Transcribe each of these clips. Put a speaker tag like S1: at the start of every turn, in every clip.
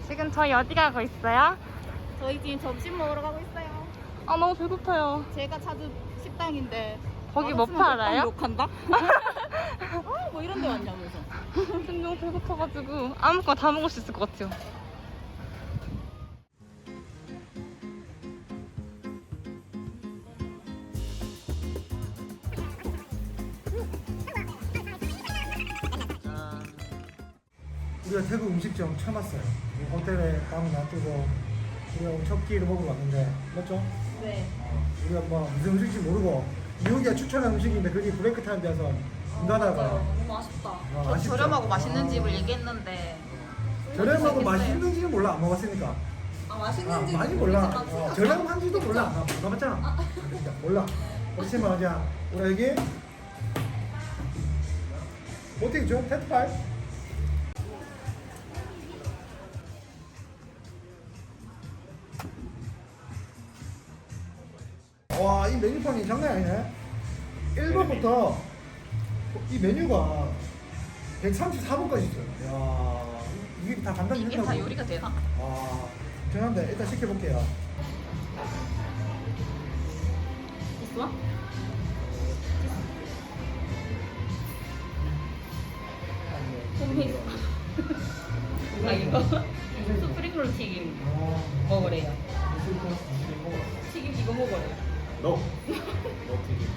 S1: 지금 저희 어디 가고 있어요?
S2: 저희 지금 점심 먹으러 가고 있어요.
S1: 아 너무 배고파요.
S2: 제가 찾은 식당인데
S1: 거기 뭐 팔아요?
S2: 욕한다? 뭐 이런 데 왔냐면서.
S1: 지금 너무 배고파가지고 아무거나 다 먹을 수 있을 것 같아요.
S3: 우리가 태국 음식점 처음 왔어요. 호텔에 방을 놔두고 우리가 첫 끼를 먹으러 왔는데 맞죠?
S2: 네.
S3: 우리가 뭐 무슨 음식인지 모르고 미국이가 추천한 음식인데 그게 브레이크 타임 돼서 문 닫아가
S2: 너무 아쉽다.
S3: 아쉽죠?
S2: 저렴하고 맛있는
S3: 아.
S2: 집을 얘기했는데.
S3: 저렴하고
S2: 맛있겠어요?
S3: 맛있는지는 몰라 안 먹었으니까
S2: 맛있는지
S3: 많이 몰라 저렴한지도 몰라 안 가봤잖아 그러니까 몰라 그렇지만 그냥 우리 여기 어떻게 죠? 테트파이? 와, 이 메뉴판이 장난 아니네. 1번부터 이 메뉴가 134번까지 있어요. 야, 이게 다 간단히
S2: 이게 다 요리가 되나?
S3: 아, 죄송한데 일단 시켜볼게요.
S2: 있어? 홈페이스. 아 이거 스프링롤 튀김 먹으래요. 튀김 이거 먹으래요.
S4: 너 튀김.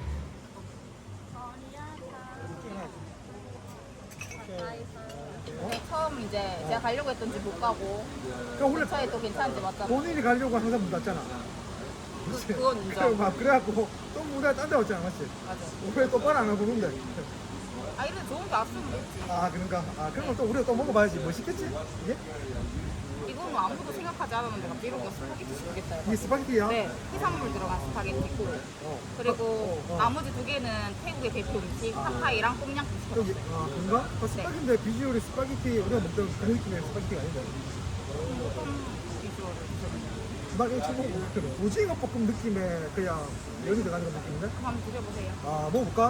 S2: 처음 이제 제가 가려고 했던 집 못 가고
S3: 그러니까 원래
S2: 근처에 또 괜찮은 집 왔잖아.
S3: 본인이 가려고 항상 문 닫잖아.
S2: 그건 인정.
S3: 그래갖고 또 문에 딴데 왔잖아, 맞지?
S2: 맞아.
S3: 왜 똑바로 안 하고 그런데?
S2: 아 이런 좋은 게 왔으면 됐지.
S3: 아, 그런가? 아, 그런 걸 또 우리가 또 먹어봐야지. 뭐 시켰지? 이게?
S2: 이거는 아무도 생각하지 않았는데 갑자기 이런 거 스파게티 시켰다.
S3: 이게 스파게티야?
S2: 네, 해산물 들어간 스파게티고
S3: 어.
S2: 그리고
S3: 어.
S2: 나머지 두 개는 태국의 대표 음식 파파이랑 꼼냥국
S3: 여기,
S2: 시켰어요.
S3: 아, 그런가? 그 스파게티인데 비주얼이 스파게티, 우리가 먹던 그런 느낌의 스파게티가 아닌데.
S2: 어떤 비주얼을 드셔보세요?
S3: 나 이거 처음 먹어보거든. 오징어 볶음 느낌의 그냥 면이 들어가는 것 느낌인데?
S2: 그럼 한번 드셔보세요.
S3: 아, 먹어볼까?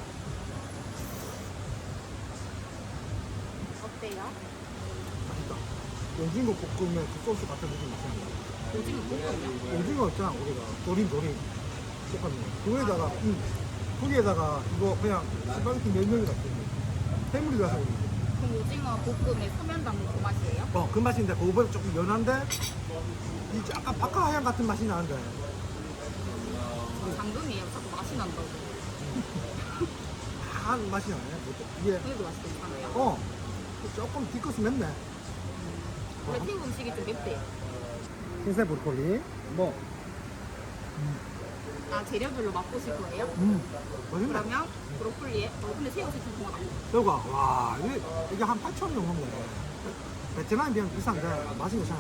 S2: 어때요?
S3: 맛있다. 오징어 볶음의 그 소스 같은 느낌이 있습니다.
S2: 오징어 볶음이요?
S3: 오징어 있잖아, 우리가. 조림. 똑같네. 거기에다가, 거기에다가 이거 그냥 스파게티 면면이 같은 거. 해물이 들어가서 그런지.
S2: 그럼 오징어 볶음에 소면 담근 그 맛이에요?
S3: 그 맛인데, 그거보다 조금 연한데, 이 약간 바카하향 같은 맛이 나는데.
S2: 당근이에요. 자꾸 맛이 난다고.
S3: 한 맛이 나네. 이게,
S2: 그래도 맛이 괜찮아요.
S3: 조금 뒤끝이 맵네.
S2: 원래 태국 음식이 좀 맵대요.
S3: 흰색 브로콜리. 뭐,
S2: 아 재료별로 맛보실 거예요?
S3: 맛있네.
S2: 그러면 브로콜리에 근데 새우젓 좀 구워
S3: 새우가, 와, 이게 한 8,000원 정도 먹네. 베트남에 비하면 비싼데, 맛이 괜찮아.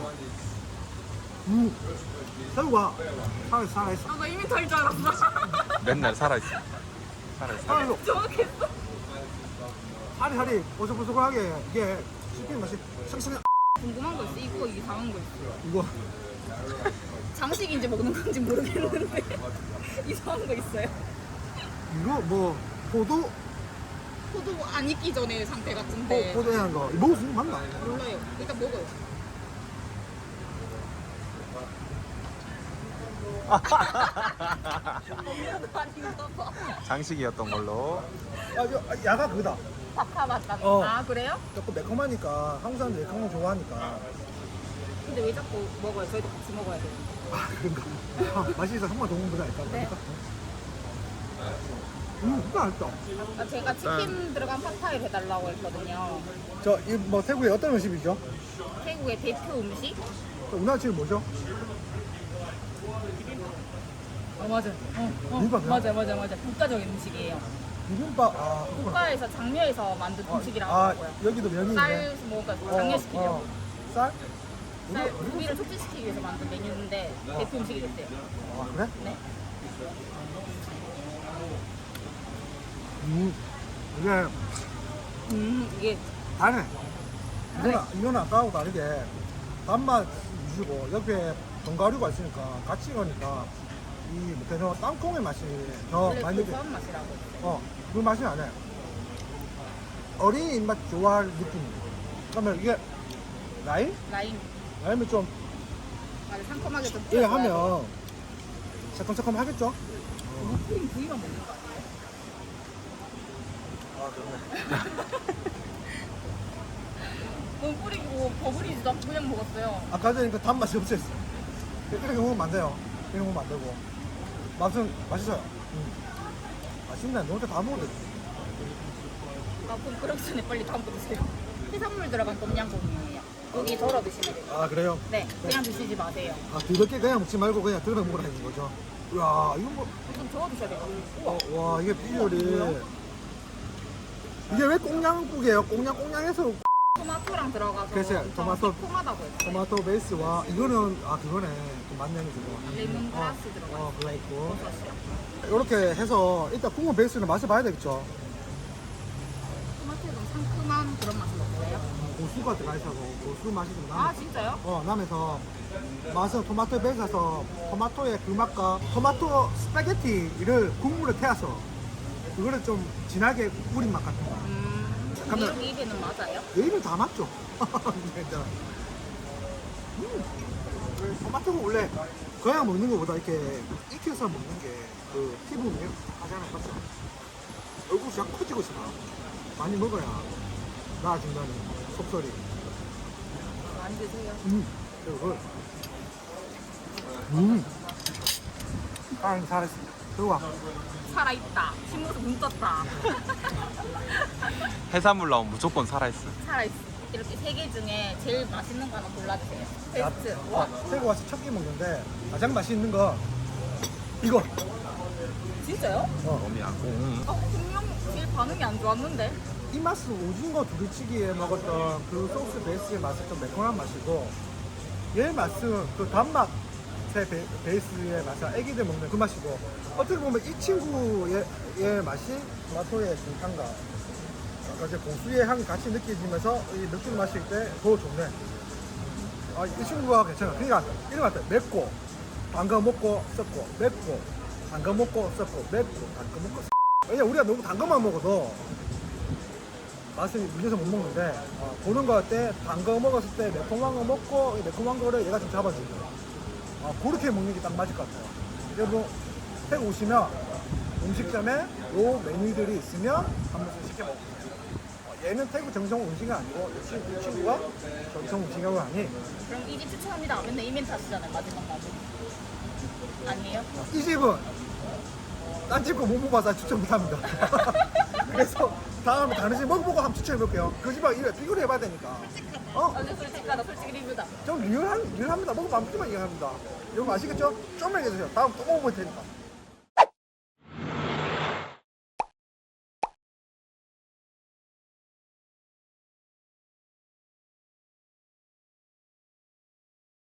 S3: 새우가 살아있어.
S2: 아나 이미 덜 줄 알았어.
S4: 맨날 살아있어.
S3: 살아있어.
S2: 정확했어.
S3: 살이 보슬보슬하게, 이게 씹히는 맛이 샹샹.
S2: 궁금한 거 있어. 이거 이상한 거 있어.
S3: 이거,
S2: 장식인지 먹는 건지 모르겠는데 이상한 거 있어요.
S3: 이거 뭐, 포도
S2: 포도 안 익기 전에 상태 같은데
S3: 포도향 거. 이거 먹을 수 있는 거 맞나?
S2: 몰라요. 일단 먹어요. 먹는 아닌가 봐.
S4: 장식이었던 걸로.
S3: 야가 그거다.
S2: 바카 맛 같.
S3: 어.
S2: 아 그래요?
S3: 조금 매콤하니까, 한국 사람들이 매콤한 거 좋아하니까.
S2: 근데 왜 자꾸 먹어요? 저희도 같이 먹어야 돼요.
S3: 아, 그런가? 맛이 있어. 한 번 더 먹는 거다, 일단.
S2: 네.
S3: 진짜 맛있다.
S2: 아, 제가 치킨 들어간 팟타이를 해달라고 했거든요.
S3: 뭐, 태국의 어떤 음식이죠?
S2: 태국의 대표 음식?
S3: 우리나라 지금 뭐죠?
S2: 맞아.
S3: 비빔밥이요?
S2: 맞아. 국가적인 음식이에요.
S3: 비빔밥,
S2: 국가에서 장려해서 만든 음식이라고
S3: 아,
S2: 하더라고요.
S3: 여기도 면이 있네.
S2: 쌀 뭐가 장려시키려고.
S3: 쌀?
S2: 쌀 고기를 촉진시키기 위해서 만든 메뉴인데 대표 음식이 됐대요.
S3: 아, 그래?
S2: 네.
S3: 이게
S2: 이게
S3: 다르네. 이거는 아까하고 다르게 단맛 위주고 옆에 견과류가 있으니까 같이 가니까 이 뭐죠 땅콩의 맛이 더
S2: 원래
S3: 많이 느껴.
S2: 고소한 맛이라고.
S3: 그 맛이 나네. 어린이 입맛 좋아할 느낌. 그러면 이게 라임?
S2: 라임.
S3: 라임이 좀
S2: 아주 상큼하게 좀
S3: 이거
S2: 뿌려줘야 돼.
S3: 하면 새콤새콤 하겠죠?
S2: 크림 부위만 먹는 거 아니에요?
S3: 아 그러네.
S2: 너무 뿌리고 버무리지도 않고 그냥 먹었어요.
S3: 아까 전에 그 단맛이 없었어. 이렇게 먹으면 안 돼요. 이렇게 먹으면 안 되고. 맛은 맛있어요. 맛있네. 너 혼자 다 먹어도 돼.
S2: 아, 그럼 그러기 전에 빨리 담고 드세요. 해산물 들어간 똠양꿍이에요. 고기 덜어 드시면 돼요.
S3: 아 그래요?
S2: 네, 그냥 드시지 마세요.
S3: 아 더럽게 그냥 먹지 말고 그냥 들어 먹으라는 거죠. 이야 이거 뭐.
S2: 좀 저어 드셔야 돼요. 우와.
S3: 와 이게 비주얼이. 이게 왜 꽁냥국이에요? 꽁냥해서
S2: 토마토랑 들어가서
S3: 글쎄요, 토마토.
S2: 새콤하다고 했어요.
S3: 토마토 베이스와 이거는 아 그거네. 좀 맛내는 저거.
S2: 레몬그라스 들어가
S3: 그거 있고.
S2: 버섯이요.
S3: 이렇게 해서 일단 국물 베이스는 맛을 봐야 되겠죠.
S2: 토마토에 좀 상큼한 그런 맛을 먹어요.
S3: 고수가 들어가 있어서 고수 맛이 좀
S2: 아,
S3: 나.
S2: 진짜요?
S3: 나면서 맛은 토마토 베이스라서 토마토의 그 맛과 토마토 스파게티를 국물에 태워서 그거를 좀 진하게 뿌린 맛 같은 거. 잠깐만.
S2: 이렇게 입에는 맞아요?
S3: 내일은 다 맞죠. 진짜. 토마토가 원래 그냥 먹는 것보다 이렇게 익혀서 먹는 게 그 피부 미용 하잖아요, 맞죠? 얼굴이 쫙 커지고 있어. 많이 먹어야 나아진다는 속설이.
S2: 많이 드세요.
S3: 그리고 잘했습니다. 들어와.
S2: 살아있다. 침으로 눈 떴다.
S4: 해산물 나오면 무조건 살아있어.
S2: 살아있어. 이렇게 세 개 중에 제일 맛있는 거 하나 골라주세요. 베스트. 와,
S3: 태국 와서 첫 끼 먹는데 가장 맛있는 거 이거.
S2: 진짜요?
S4: 몸이 안 고.
S2: 분명 제일 반응이 안 좋았는데.
S3: 이 맛은 오징어 두리치기에 먹었던 그 소스 베이스의 맛이 좀 매콤한 맛이고 얘 맛은 그 단맛 베이스의 맛은 애기들 먹는 그 맛이고 어떻게 보면 이 친구의 맛이 토마토의 중탕과 이제 고수의 향이 같이 느껴지면서 이 느낌 마실 때 더 좋네. 아, 이 친구가 괜찮아. 그러니까 이런 것 같아. 맵고 담가 먹고 썩고 맵고 담가 먹고 썩고 맵고 담가 먹고 썩고. 왜냐 우리가 너무 단 것만 먹어도 맛을 밀려서 못 먹는데 보는 거 때 단 거 먹었을 때 매콤한 거 먹고 이 매콤한 거를 얘가 좀 잡아주고 그렇게 먹는 게 딱 맞을 것 같아요. 여러분 태국 오시면 음식점에 요 메뉴들이 있으면 한 번씩 시켜 먹어보세요. 얘는 태국 정성 음식이 아니고 이 친구가 정성 음식이라고 하니
S2: 그럼 이 집 추천합니다. 맨날 이 멘트 하시잖아요. 마지막. 아니에요?
S3: 이 집은 딴 집 거 못 먹어봐서 추천 못합니다. 그래서 다음에 다른 집 먹어보고 한번 추천해볼게요. 그 집하고 이거 비교를 해봐야 되니까.
S2: 아주 솔직하다. 솔직히 리뷰다.
S3: 좀 리얼합니다. 먹어보면 한번 얘기합니다. 여러분 아시겠죠? 좀만 얘기해주세요. 다음 또 먹어볼 테니까.